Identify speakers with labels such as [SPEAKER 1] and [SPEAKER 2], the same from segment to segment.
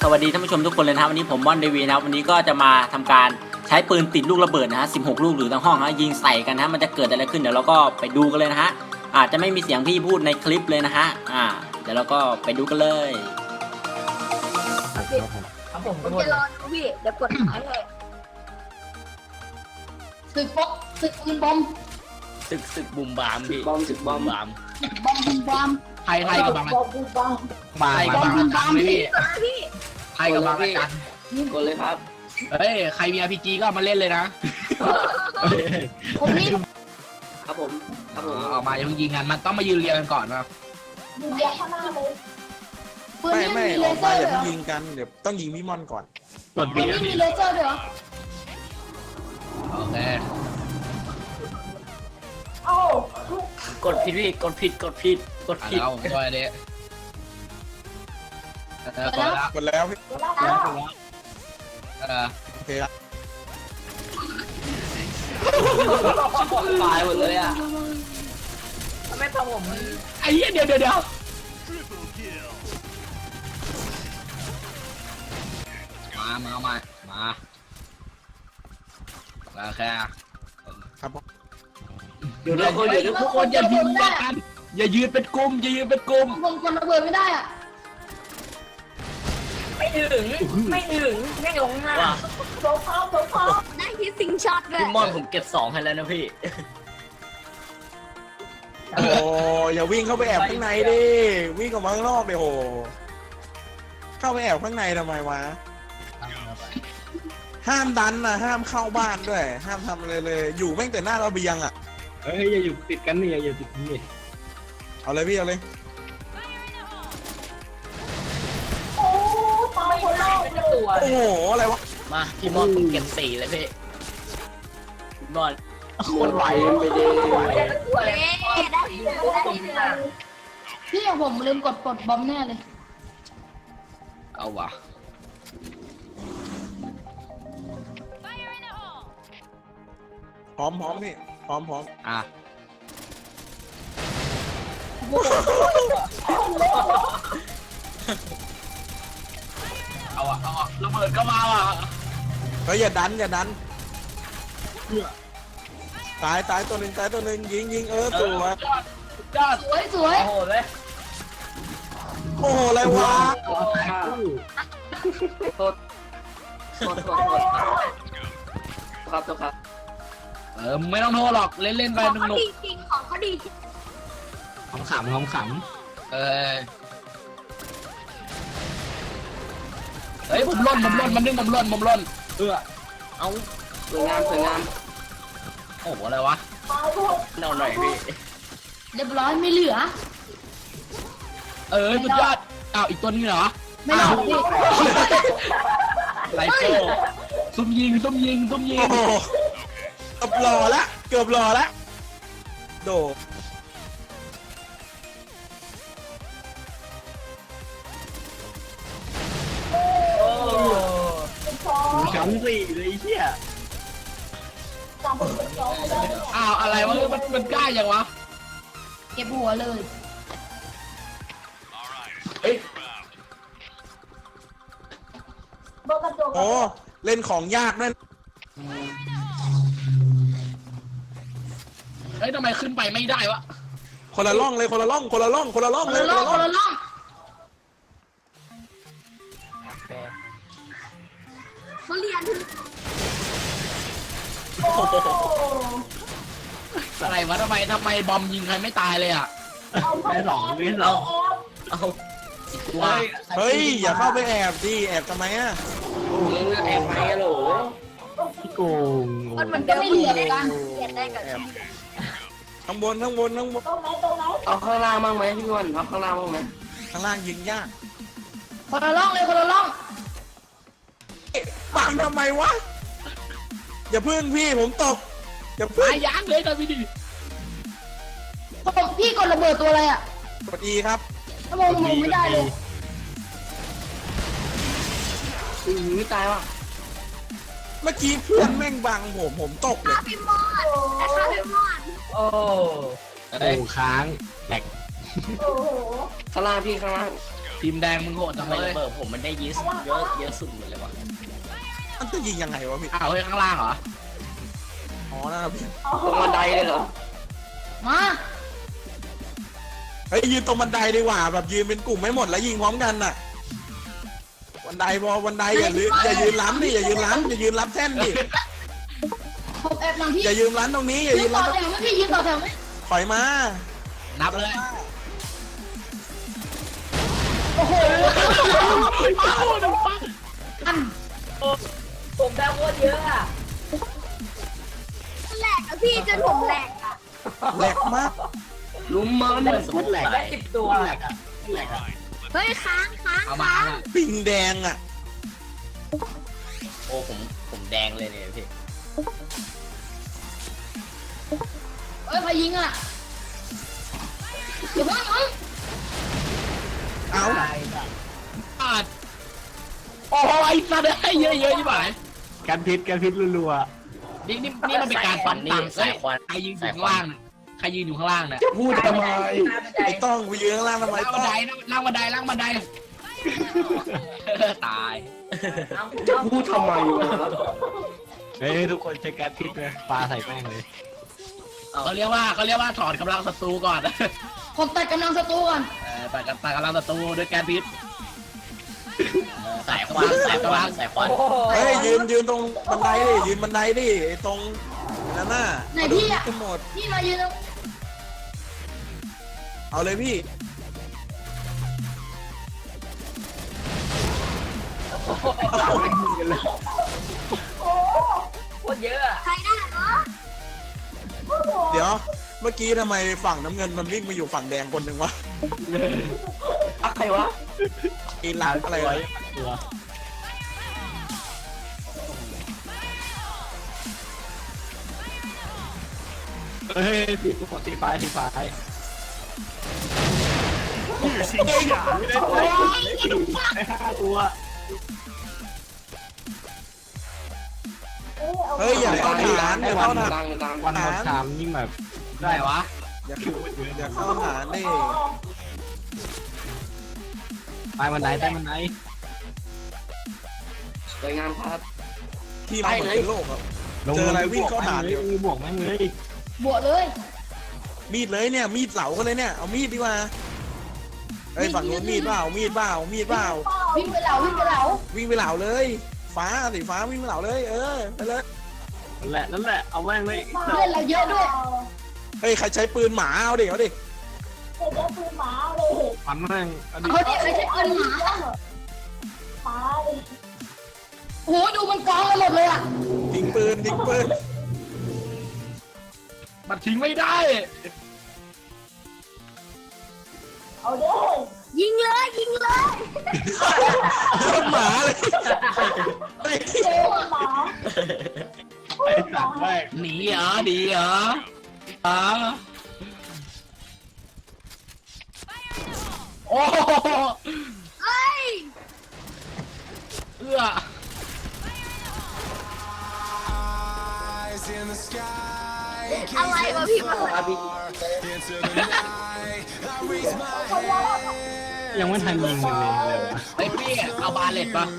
[SPEAKER 1] วัสดีท่านผู้ชมทุกคนเลยนะครับวันนี้ผมม่อนเดวีนะครับวันนี้ก็จะมาทำการใช้ปืนติดลูกระเบิดนะฮะ16 ลูกหรือทั้งห้องฮะยิงใส่กันนะฮะมันจะเกิดอะไรขึ้นเดี๋ยวเราก็ไปดูกันเลยนะฮะอาจจะไม่มีเสียงพี่พูดในคลิปเลยนะฮะเดี๋ยวเราก็ไปดูกันเลย
[SPEAKER 2] ครับผมจะรอดูพี่เดี๋ยวกดหายให้ศึกปืนบอม
[SPEAKER 3] ศึกบุมบามพี่ศึกบอมบาม
[SPEAKER 2] บอม
[SPEAKER 3] ไทยกับบางระจันพี่ไทยกับบางระจันกดเลยครับเฮ้ยใครมี RPG ก็มาเล่นเลยนะ
[SPEAKER 2] ผมนี่
[SPEAKER 3] ครับผมออกมาอย่าเพิ่งยิงกันมันต้องมายืนเรียงกันก่อนนะ
[SPEAKER 2] ยืนเรียงข้างหน้าเลย
[SPEAKER 4] ไม่ออกมาอย่าเพิ่งยิงกันเดี๋ยวต้องยิงพี่มอนก่อน
[SPEAKER 2] ปืนนี่มีเลเซอร์ด้วยเหรอ
[SPEAKER 3] โอเค
[SPEAKER 1] กดผิดพี่กดผิด
[SPEAKER 3] เอาด้วยเด็ก
[SPEAKER 4] กดแล้วพี่โอเคละ
[SPEAKER 3] ตายหมดเลยอ่ะไม่ทำผมไอ้เหี้ยเดี๋ยวมาแค่
[SPEAKER 4] ครับ
[SPEAKER 3] เดี๋ยวทุกคนอย่ายืนกันอย่ายืนเป็นกลุ่ม
[SPEAKER 2] ผมกดระเบิดไม่ได้อ่ะ
[SPEAKER 3] ไม่ถึงไม่ลงหน้า
[SPEAKER 2] โผล่ได้ที่ซิงช็อตเลย
[SPEAKER 3] พี่มอนผมเก็บ2ให้แล้วนะพี่
[SPEAKER 4] โอ้อย่าวิ่งเข้าไปแอบข้างในดิวิ่งออกมาข้างนอกเดี๋ยวโหเข้าไปแอบข้างในทำไมวะห้ามดันนะห้ามเข้าบ้านด้วยห้ามทำอะไรเลยอยู่แม่งแต่หน้าระเบียงอ่ะ
[SPEAKER 3] เฮ้ยอย่าอยู่ติดกันนี่อย่าติดนี่
[SPEAKER 4] เอาเลยพี่เอาเลย
[SPEAKER 2] โอ้ตายคนแรกเป็นตัว
[SPEAKER 4] โอ้โหอะไรวะ
[SPEAKER 3] มาพี่มอนผมเก็บ4เลยพี่พี่มอน
[SPEAKER 4] คนไหวไปดิ
[SPEAKER 2] ได้พี่อย่างผมลืมกดปลดบอมแน่เลย
[SPEAKER 3] เอาวะ
[SPEAKER 4] พร้อมพี่พร้อม
[SPEAKER 3] เอาระเบิดก็มาว่ะ
[SPEAKER 4] เฮ้ยอย่าดันตายตัวหนึ่งยิงส
[SPEAKER 2] วย
[SPEAKER 3] โอ้โหเลย
[SPEAKER 4] โอ้โหอะไรวะ
[SPEAKER 3] โทษครับไม่ต้องโทษหรอกเล่นไป
[SPEAKER 2] ของเขาดีจริงของเขาดีจริง
[SPEAKER 3] ขำเฮ้ยผมล่นมันนึงผมล่นเอาสวยงามโอ้โหอะไรวะเอาหน่อยพี่
[SPEAKER 2] เรียบร้อยไม่เหลือ
[SPEAKER 3] สุดยอดอ้าวอีกตัวนี้เหรอ
[SPEAKER 2] ไม่หรอกพี่
[SPEAKER 3] ไลโก้ซุ่มยิง
[SPEAKER 4] เกือบหล่อละโด
[SPEAKER 3] ชั้น4เลยเหี้ยอ้าวอะไรวะมันกล้าอย่างวะ
[SPEAKER 2] เก็บหัวเลย
[SPEAKER 4] โอ้เล่นของยากนั่น
[SPEAKER 3] เฮ้ยทำไมขึ้นไปไม่ได้วะ
[SPEAKER 4] คนละร่องเลย
[SPEAKER 2] เขาเรียน
[SPEAKER 3] อะไรวะทำไมบอมยิงใครไม่ตายเลยอ่ะไม่หลอกเอา
[SPEAKER 4] เฮ้ยอย่าเข้าไปแอบดิแอบทำไมอ่ะ
[SPEAKER 3] แอบไปอะโหลพี่โกง
[SPEAKER 2] มันก็ไม่เหลือกันเรียนได้กับ
[SPEAKER 4] ข้างบน
[SPEAKER 2] ตรงไหน
[SPEAKER 3] เอาข้างล่างบ้างไหมพี่วันเอาข้างล่างบ้างไหม
[SPEAKER 4] ข้างล่างยิงยาก
[SPEAKER 2] คนละร่อง
[SPEAKER 4] ปังทำไมวะอย่าพึ่งพี่ผมตกอย่าพึ่ง
[SPEAKER 3] ยั้งเลยตอนพี่ดิ
[SPEAKER 2] พี่กดระเบิดตัวอะไรอ่ะ
[SPEAKER 4] กด E ครับ
[SPEAKER 2] ถ้ามองไม่ได้เลย
[SPEAKER 3] ตายว่ะ
[SPEAKER 4] เมื่อกี้เพื่อนแม่งบังผมตกเลย
[SPEAKER 2] พี่มอน
[SPEAKER 3] โอ้ค้างแหลกข้างล่างพี่ข้างล่างทีมแดงมึงโหดจัง
[SPEAKER 5] ทำไม
[SPEAKER 3] เล
[SPEAKER 5] ระ
[SPEAKER 3] ย
[SPEAKER 5] เบิดผมมันได้เยอะสุดเลยวะ
[SPEAKER 4] มันจะยิงยังไงวะพี่
[SPEAKER 3] อ้าวเฮ้ยข้างล่างเหรอ
[SPEAKER 4] อ๋อนั่นนะพี่
[SPEAKER 5] ตรงบันไดเลยเหรอ
[SPEAKER 2] มา
[SPEAKER 4] เฮ้ยยืนตรงบันไดดีกว่าแบบยืนเป็นกลุ่มไม่หมดแล้วยิงพร้อมกันน่ะบันไดพอบันไดอย่ายืนล้ำดิอย่ายืนล้ำอย่ายืนล้ำแท่นดิ
[SPEAKER 2] ผมแอบหลังพี่
[SPEAKER 4] อย่ายืนล้ำตรงนี้อย่า
[SPEAKER 2] ยื
[SPEAKER 4] ยื
[SPEAKER 2] น
[SPEAKER 4] น
[SPEAKER 2] ต่อ
[SPEAKER 4] ล้ำ
[SPEAKER 2] แถวไหมพี่ยืนต่อแถวไหม
[SPEAKER 4] ถอยมา
[SPEAKER 3] นับเลย
[SPEAKER 2] โอ้โหอัน
[SPEAKER 5] ผมได้โคตรเยอะอะ
[SPEAKER 2] แหลกอะพี่จนผมแหลกอะ
[SPEAKER 4] แหลกมาก
[SPEAKER 5] ลุมมันเนี่ยสมมติแหลกได้10 ตัวแหลกอะ
[SPEAKER 2] เฮ้ยค้าง
[SPEAKER 3] เอามา
[SPEAKER 4] ปิงแดงอ่ะ
[SPEAKER 5] โอ้ผมแดงเลยเนี่ยพี่
[SPEAKER 2] เฮ้ยใครยิงอะเดี๋ยวพ่อน้อง
[SPEAKER 4] เอา
[SPEAKER 3] อาดโอ้ยสัตว์เอ้ยเยอะๆที่บ่ายการพิษรัวๆนี่มันเป็นการฟันตังค์
[SPEAKER 5] สายควัน
[SPEAKER 3] ใครยืนอยู่ข้างล่างน่ะใครยืนอยู่ข้างล่างน่ะ
[SPEAKER 4] พูดทำไมไอ้ต้องไปยืนข้างล่างทำไม
[SPEAKER 3] ล่าง
[SPEAKER 4] ต้
[SPEAKER 3] บั
[SPEAKER 4] อน ง
[SPEAKER 3] ไดล่างบันไดล่างบันไดตาย
[SPEAKER 5] พูดทำไมวะ
[SPEAKER 6] เฮ้ยทุกคนใช้แก๊สพิษเลยปลาใส่แม่งเลย
[SPEAKER 3] เขาเรียกว่าถอดกำลังศัตรูก่อน
[SPEAKER 2] ผมตัดกำลังศัตรูก่อน
[SPEAKER 3] ตัดกำลังศัตรูด้วยการพิษ
[SPEAKER 5] สายควันสายควันสายควัน
[SPEAKER 4] เฮ้ยยืนตรงบันไดดิยืนบันไดดิไอ้ตรงนั่นน่ะ
[SPEAKER 2] ไหนพี่อะ
[SPEAKER 4] ขึ้นหมด
[SPEAKER 2] พี่มายืนตรง
[SPEAKER 4] เอาเลยพี่
[SPEAKER 5] โคตรเยอะอะ
[SPEAKER 2] ใครได้เหรอ
[SPEAKER 4] เดี๋ยวเมื่อกี้ทำไมฝั่งน้ำเงินมันวิ่งมาอยู่ฝั่งแดงคนหนึ่งวะ
[SPEAKER 5] ใครวะ
[SPEAKER 4] ไอ้หลังอะไรวะ
[SPEAKER 6] ตัวเฮ้ยสีฟ้าได้5 ตัว
[SPEAKER 4] เฮ้ยอย่าเข้าฐานอย่าเข้าฐาน
[SPEAKER 6] วันหมดชามยิ่งแบบ
[SPEAKER 3] ได้วะ
[SPEAKER 4] อย่าเข้าฐานดิ
[SPEAKER 6] ใต้บันไดใต้บันได
[SPEAKER 5] สวยงามครับ
[SPEAKER 4] ที่เราเหมือนเป็นโลกครับ เจออะไรวิ่งเข้าฐาน
[SPEAKER 6] เล
[SPEAKER 4] เดี๋ยว
[SPEAKER 6] ยบวกแม่งเลย
[SPEAKER 2] บวกเลย
[SPEAKER 4] มีดเลยเนี่ยมีดเหลากันเลยเนี่ยเอามีดดีกว่าเฮ้ยฝั่งนู้นมีดเปล่ามีดเปล่า
[SPEAKER 2] วิ่งไปเหลา
[SPEAKER 4] วิ่งไปเหลาเลย ฟ้าสีฟ้าวิ่งไปเหลาเลย ไปเลย
[SPEAKER 6] นั่นแหละเอาแม่งเลย
[SPEAKER 2] เพื่อนเราเยอะด้วย
[SPEAKER 4] เฮ้ยใครใช้ปืนหมาเอาดิเอาดิ
[SPEAKER 6] ฟันแม่งเอาดิ
[SPEAKER 2] เขาเนี่ยใครใช้ปืนหมาโหดูมันกองกันหมดเลยอะ
[SPEAKER 4] ทิ้งปืน
[SPEAKER 3] มันทิ้งไม่ได้
[SPEAKER 2] ยิงเลย
[SPEAKER 4] โดนหมาเลย
[SPEAKER 6] ไอ้สัตว์แม่ง
[SPEAKER 3] หนีเหรอดีเหรอโอ้เอื้อ
[SPEAKER 2] อะไรวะพี่มัน
[SPEAKER 6] ยังไม่ทันยิงมันเลยวะ
[SPEAKER 3] ไอ้พี่เอาบาเลตปะ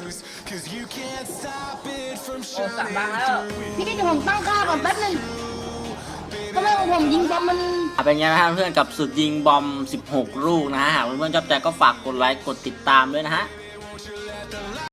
[SPEAKER 5] โอ้สั่งบ้างแล้ว
[SPEAKER 2] พี่เดี๋ยวผมตั้งค่าก่อนแป๊บนึงทำไมของผมยิงบอมมัน
[SPEAKER 1] เป็นไงนะฮะเพื่อนกับสุดยิงบอม 16 ลูกนะฮะหากเพื่อนๆชอบใจก็ฝากกดไลค์กดติดตามด้วยนะฮะ